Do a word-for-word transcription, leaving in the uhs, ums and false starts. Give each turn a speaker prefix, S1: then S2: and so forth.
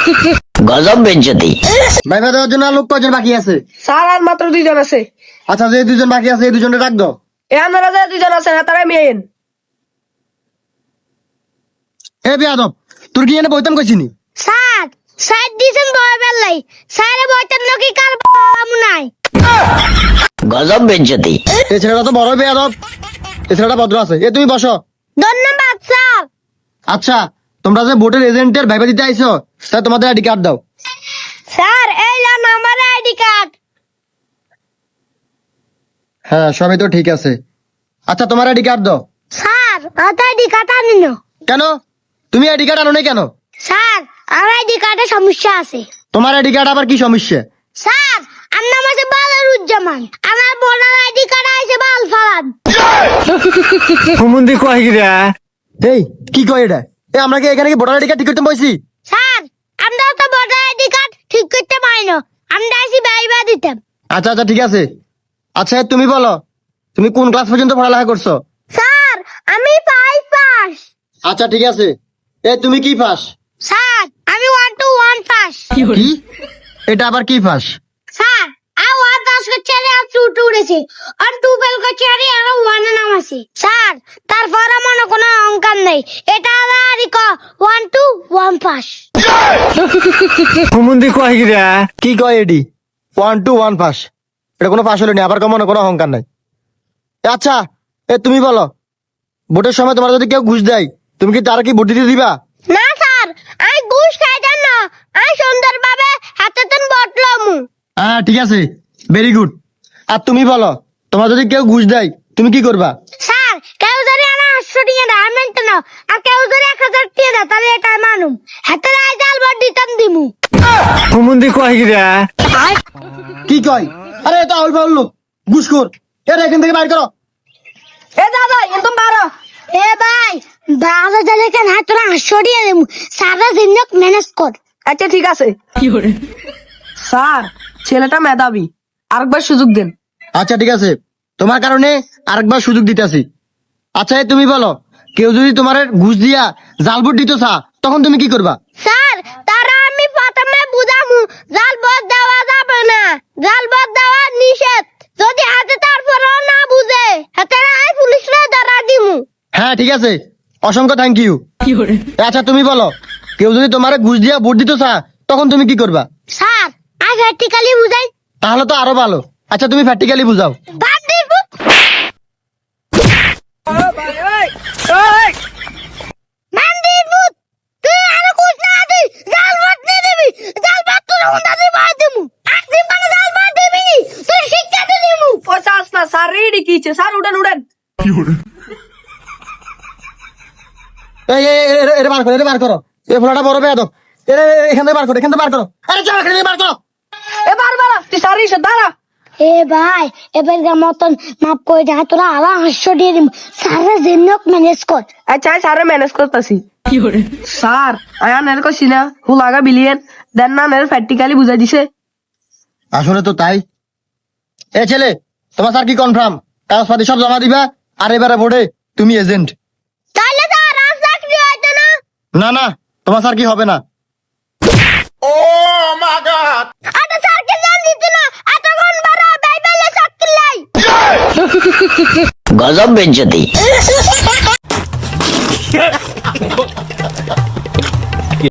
S1: গজব বেজ্জতি।
S2: ভাইবা দেওয়ার জন্য আর লোক কয়জন বাকি আছে?
S3: স্যার আর মাত্র দুইজন আছে।
S2: আচ্ছা, যে দুজন বাকি আছে এই দুজনে ডাক দাও।
S3: এ আপনারা যে দুইজন আছেন তারাই মেয়েন।
S2: এ বেয়াদব, তোর কি এনে বইতাম কইছিনি?
S4: স্যার স্যার দিছেন বয় বেলাই স্যারে বইতেন নাকি কার আমু নাই।
S1: গজব বেজ্জতি।
S2: এই ছেলেটা তো বড় বেয়াদব, এই ছেলেটা ভদ্র আছে। এ তুমি বসো।
S4: ধন্যবাদ স্যার।
S2: আচ্ছা, তোমরা যে ভোটের এজেন্টের ভাইবা দিতে আইছো, স্যার তোমাদের আইডি কার্ড দাও।
S4: স্যার এই লন আমার আইডি কার্ড।
S2: হ্যাঁ, সবই তো ঠিক আছে। আচ্ছা, তোমার আইডি কার্ড দাও।
S4: স্যার আমার আইডি কার্ড আনি না।
S2: কেন তুমি আইডি কার্ড আনো নাই কেন?
S4: স্যার আমার আইডি কার্ডে সমস্যা আছে।
S2: তোমার আইডি কার্ড আবার কি সমস্যা?
S4: স্যার আমার নাম আছে বালারুজ্জামান, আমার বোনের আইডি কার্ড আছে বাল ফালান।
S5: হুমুন্দি কয় গিরা
S2: এই কি কয় এটা? এ আমরা কি এখানে কি ভোটার আইডি কার্ড ঠিক করতে বসি?
S4: স্যার আমরা তো ভোটার আইডি কার্ড ঠিক করতে পারি না, আমরা আইছি বাইবা দিতাম।
S2: আচ্ছা আচ্ছা ঠিক আছে। আচ্ছা, তুমি বলো তুমি কোন ক্লাস পর্যন্ত পড়ালেখা করছো?
S4: স্যার আমি ফাইভ পাস।
S2: আচ্ছা ঠিক আছে। এ তুমি কি পাস?
S4: স্যার আমি ওয়ান টু ওয়ান পাস।
S2: কি এটা আবার কি পাস?
S4: স্যার আর ওয়ান দশ করছে আর টু টু উড়েছে, আর টু ফেল করছে আর আর ওয়ান নাম আছে। স্যার তারপর মনে কোনো অঙ্কার নেই, এটা আর ক ওয়ান টু ওয়ান পাস।
S5: হুমুন্দি কয় গিরা
S2: কি কয় এডি? ওয়ান টু ওয়ান পাস, এটা কোনো পাস হলো না, আবার কমন কোনো অহংকার নাই। এ আচ্ছা, এ তুমি বলো ভোটের সময় তোমার যদি কেউ ঘুষ দেয় তুমি কি তার কি ভোট দিতে দিবা?
S4: না স্যার আমি ঘুষ খাইতাম না, আমি সুন্দরভাবে হাতে তেন বটলাম।
S2: হ্যাঁ ঠিক আছে, ভেরি গুড। আর তুমি বলো তোমার যদি কেউ ঘুষ দেয় তুমি কি করবা?
S4: স্যার কেউ যদি আমার আটশো টিয়া দেয় আমি মানতে না, আর কেউ যদি এক হাজার টিয়া দেয় তাহলে এটা মানুম হাতে রায় জাল বট দিতাম দিমু।
S5: হুমুন্দি কয় গিরা
S2: কি কয়? আরে এটা আউল ফাউল লোক, ঘুষখোর। এরা এখান থেকে বাইর করো।
S3: এ দাদা একদম বারো।
S4: এ ভাই বারো জালে কেন হাত তোরা আটশো টিয়া দিমু, সারা জিন্দক ম্যানেজ কর।
S3: আচ্ছা ঠিক আছে। স্যার ছেলেটা মেধাবী, আরেকবার সুযোগ দেন।
S2: আচ্ছা ঠিক আছে, তোমার কারণে আরেকবার সুযোগ দিতেছি। আচ্ছা, এ তুমি বলো কেউ যদি তোমার ঘুষ দিয়া জাল ভোট দিত চা তখন তুমি কি করবা?
S4: স্যার তারা আমি প্রথমে বুঝামু জাল বট দেওয়া যাবে না, জাল বট দেওয়া নিষেধ। যদি হাতে তারপরেও না বুঝে হাতে রায় পুলিশরা ধরা দিমু।
S2: হ্যাঁ ঠিক আছে, অসংখ্য থ্যাংক ইউ। আচ্ছা তুমি বলো কেউ যদি তোমার ঘুষ দিয়া ভোট দিত চা তখন তুমি কি করবা?
S4: স্যার আই প্র্যাকটিক্যালি বুঝাই।
S2: তাহলে তো আরো ভালো। আচ্ছা তুমি প্র্যাকটিক্যালি বুঝাও।
S4: বান্দির পুত। বান্দির পুত, তুই আর কুছ না দিস, জাল বট নে দিবি, জাল বট তোর উন্ডা দি বাদ দিমু। আজকে মানে জাল বট দিবি, তুই শিক্ষা দে দিমু।
S3: ও চাস না স্যার, রেডি কিছে স্যার, উঠেন উঠেন।
S2: এই এই, এই, এরে বার করো, এরে বার করো। এই ফোলাটা বড় বেয়াদব। এরে এখান থেকে বার করো, এখান থেকে বার করো। আরে চল এখান থেকে বার করো।
S3: এ বারবার তুই স্যার এসে দাঁড়া।
S4: এ ভাই এবার মতন মাপ করে যা তোরা আলা হাস্য দিয়ে দিম, সারা জিন্দক ম্যানেজ কর।
S3: আচ্ছা স্যারে ম্যানেজ করতেছি। স্যার আয়া নের কইছি না হুলাগা বিলিয়ন দেন না, নের প্র্যাকটিক্যালি বুঝাই দিছে।
S2: আসলে তো তাই। এ ছেলে, তোমার স্যার কি কনফার্ম কাগজপাতি সব জমা দিবা? আর এবারে ভোটে তুমি এজেন্ট।
S4: তাহলে তো আর চাকরি হয়তো না।
S2: না না, তোমার স্যার কি হবে না।
S4: আটা স্যারকে জান দিত না, এতক্ষণ বড় বাইবেলে চাকরি লাই।
S1: গজব বেজ্জতি।